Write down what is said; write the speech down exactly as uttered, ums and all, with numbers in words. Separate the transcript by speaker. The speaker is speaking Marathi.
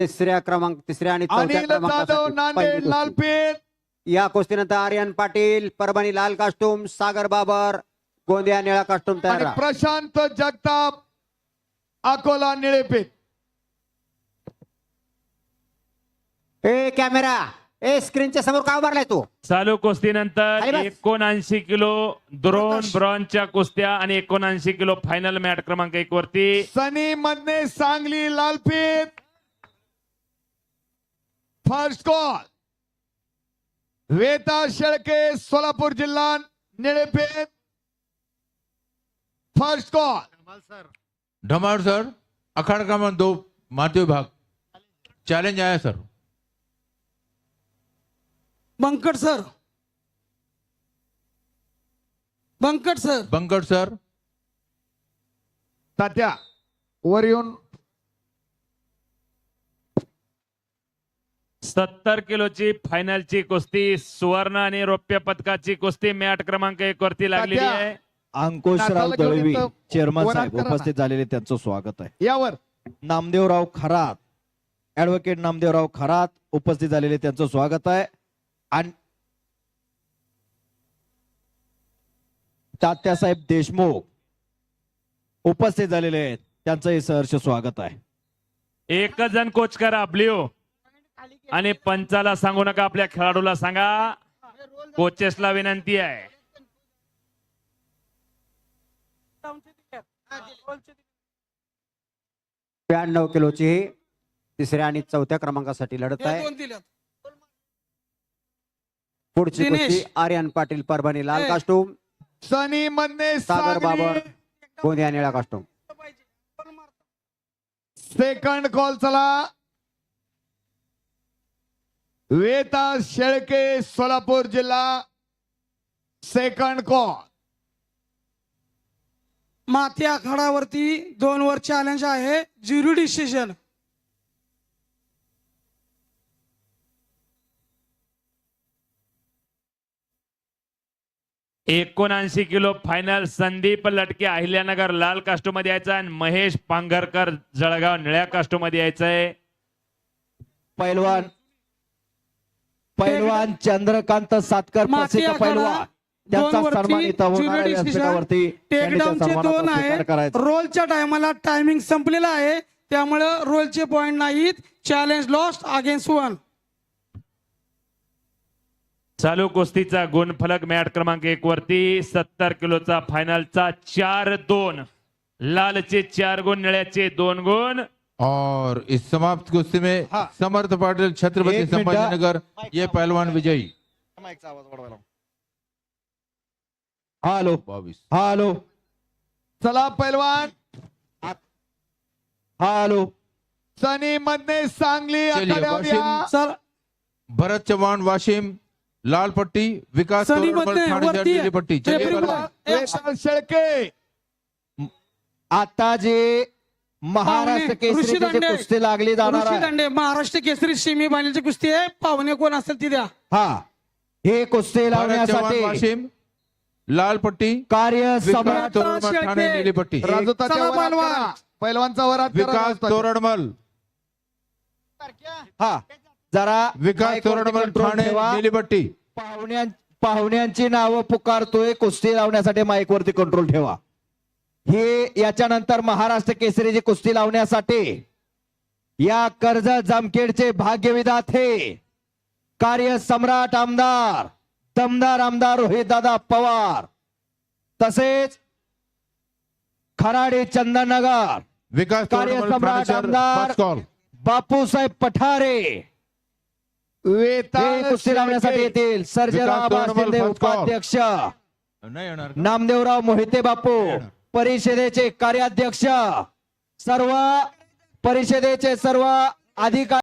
Speaker 1: तिसऱ्या क्रमांक तिसऱ्या आणि चौथ्या
Speaker 2: अनिल जाधव
Speaker 1: क्रमांकासाठी
Speaker 2: नांदेड
Speaker 1: पहिली कुस्ती.
Speaker 2: लालपेठ.
Speaker 1: या कुस्तीनंतर आर्यन पाटील परभणी लाल कास्टूम, सागर बाबर गोंदिया निळा कास्टूम तयार
Speaker 2: आणि
Speaker 1: राहा.
Speaker 2: प्रशांत जगताप अकोला निळेपेठ.
Speaker 1: ए कॅमेरा ए स्क्रीनच्या समोर का उभारलाय तू?
Speaker 3: चालू कुस्तीनंतर
Speaker 1: खाली बस.
Speaker 3: एकोणऐंशी किलो द्रोण ब्रॉन्झच्या कुस्त्या आणि एकोणऐंशी किलो फायनल मॅट क्रमांक एक वरती
Speaker 2: सनी मधने सांगली लालपेठ. फर्स्ट कॉल वेता शेळके सोलापूर जिल्हा निळेपेठ. फर्स्ट कॉल
Speaker 4: धमाल सर, अखाड़ा क्रमांक दो माध्य विभाग चैलेंज आया sir.
Speaker 5: Bankat sir, Bankat sir,
Speaker 4: Bankat sir.
Speaker 2: Tatya वर येऊन
Speaker 3: सत्तर किलोची फायनलची कुस्ती सुवर्ण आणि रौप्य पदकाची कुस्ती मॅट क्रमांक एक वरती लागलेली
Speaker 2: तात्या.
Speaker 3: आहे.
Speaker 6: अंकुशराव
Speaker 2: नाताला घेऊन
Speaker 6: दळवी
Speaker 2: येतो.
Speaker 6: चेअरमन
Speaker 2: वरात
Speaker 6: साहेब
Speaker 2: करा ना.
Speaker 6: उपस्थित झालेले त्यांचं स्वागत आहे.
Speaker 2: यावर
Speaker 6: नामदेवराव खरात ऍडव्होकेट नामदेवराव खरात उपस्थित झालेले त्यांचं स्वागत आहे. आणि तात्यासाहेब देशमुख उपस्थित झालेले आहेत त्यांचंही सहर्ष स्वागत आहे.
Speaker 3: एकच जण कोच करा ब्ल्यू आणि पंचाला सांगू नका, आपल्या खेळाडूला सांगा. कोचेसला विनंती आहे.
Speaker 1: ब्याण्णव किलोची तिसऱ्या आणि चौथ्या क्रमांकासाठी लढत आहे.
Speaker 5: दोन दिल्यात.
Speaker 1: पुढची
Speaker 5: दिनेश.
Speaker 1: कुस्ती आर्यन पाटील परभणी लाल
Speaker 5: ए.
Speaker 1: कास्टूम,
Speaker 2: सनी मधने
Speaker 1: सागर बाबर
Speaker 2: सांगली.
Speaker 1: गोंदिया निळा कास्टूम.
Speaker 2: सेकंड कॉल चला. वेता शेळके सोलापूर जिल्हा. सेकंड कॉल
Speaker 5: माती आखाडावरती दोन वर चॅलेंज आहे, ज्युरी डिसिजन.
Speaker 3: एकोणऐंशी किलो फायनल संदीप लटके अहिल्यानगर लाल कास्टो मध्ये यायचा आणि महेश पांघरकर जळगाव निळ्या कास्टो मध्ये यायचंय.
Speaker 6: पैलवान पैलवान चंद्रकांत सातकर
Speaker 5: माती
Speaker 6: प्रसिद्ध
Speaker 5: आखाडा
Speaker 6: पैलवान त्यांचा
Speaker 5: दोन
Speaker 6: सन्मान
Speaker 5: वरती
Speaker 6: इथं होणार
Speaker 5: ज्युरी
Speaker 6: आहे.
Speaker 5: डिसिजन.
Speaker 6: व्यासपीठावरती त्यांनी त्या
Speaker 5: टेकडाऊनचे
Speaker 6: सन्मानाचा
Speaker 5: दोन
Speaker 6: स्वीकार
Speaker 5: आहेत.
Speaker 6: करायचा.
Speaker 5: रोलच्या टायमाला टायमिंग संपलेला आहे, त्यामुळे रोलचे पॉइंट नाहीत. Challenge lost against one.
Speaker 3: चालू कुस्तीचा गुणफलक मॅट क्रमांक एक वरती सत्तर किलोचा फायनलचा चार दोन, लालचे चार गुण, निळ्याचे दोन गुण.
Speaker 4: और इस समाप्त कुश्ती में
Speaker 6: हाँ।
Speaker 4: समर्थ पाटिल छत्रपति
Speaker 6: एक मिनट।
Speaker 4: संभाजीनगर ये पहलवान विजयी.
Speaker 6: हॅलो
Speaker 4: बावीस.
Speaker 6: हॅलो
Speaker 2: चला पैलवान
Speaker 6: हॅलो
Speaker 2: सनी मधने सांगली
Speaker 4: चलिए,
Speaker 2: आखाड्यावर या.
Speaker 4: वाशिम.
Speaker 5: सर
Speaker 4: भरत चौहान वाशिम लाल पट्टी, विकास
Speaker 5: सनी
Speaker 4: तोरडमल
Speaker 5: मधने
Speaker 4: ठाणे शहर
Speaker 5: वरती
Speaker 4: नीली पट्टी. चलिए
Speaker 5: रेफरी
Speaker 4: पहलवान.
Speaker 2: वेता शेळके
Speaker 6: आता जे महाराष्ट्र
Speaker 5: पाहुणे, ऋषी
Speaker 6: केसरी
Speaker 5: दांडे.
Speaker 6: कुस्ती लागली जाणार
Speaker 5: ऋषी
Speaker 6: आहे.
Speaker 5: दांडे महाराष्ट्र केसरी सेमी फायनलची कुस्ती आहे. पाहुणे कोण असेल ती द्या.
Speaker 6: हा हे कुस्ती
Speaker 4: भरत चौहान
Speaker 6: लावण्यासाठी
Speaker 4: वाशिम लाल पट्टी,
Speaker 6: कार्य
Speaker 4: विकास
Speaker 6: सम्राट
Speaker 4: तोरडमल ठाणे
Speaker 5: शेळके.
Speaker 4: नीली पट्टी.
Speaker 2: राजू तात्या
Speaker 5: चला
Speaker 2: वरात
Speaker 5: पैलवान.
Speaker 2: करा. पैलवानचा वरात करा.
Speaker 4: विकास
Speaker 2: राजू तात्या.
Speaker 4: तोरडमल,
Speaker 6: हा जरा
Speaker 4: विकास
Speaker 6: माईकवरती
Speaker 4: तोरडमल
Speaker 6: कंट्रोल
Speaker 4: ठाणे
Speaker 6: ठेवा.
Speaker 4: नीली पट्टी.
Speaker 6: पाहुण्या पाहुण्यांची नावं पुकारतोय, कुस्ती लावण्यासाठी माईकवरती कंट्रोल ठेवा. हे याच्यानंतर महाराष्ट्र केसरीची कुस्ती लावण्यासाठी या कर्जत जामखेडचे भाग्यविधाते कार्य सम्राट आमदार दमदार आमदार रोहितदादा पवार, तसेच खराडे चंदननगर
Speaker 4: विकास
Speaker 6: कार्य
Speaker 4: तोरडमल ठाणे
Speaker 6: सम्राट
Speaker 4: शहर
Speaker 6: आमदार
Speaker 4: फर्स्ट कॉल.
Speaker 6: बापूसाहेब पठारे
Speaker 2: वेता
Speaker 6: हे कुस्ती लावण्यासाठी
Speaker 2: शेळके.
Speaker 6: येतील. Sarjerao
Speaker 4: Vikas Tordmal
Speaker 6: Shinde
Speaker 4: first call.
Speaker 6: उपाध्यक्ष,
Speaker 4: नाही येणार.
Speaker 6: नामदेवराव मोहिते बापू परिषदेचे कार्याध्यक्ष, सर्व परिषदेचे सर्व अधिकारी.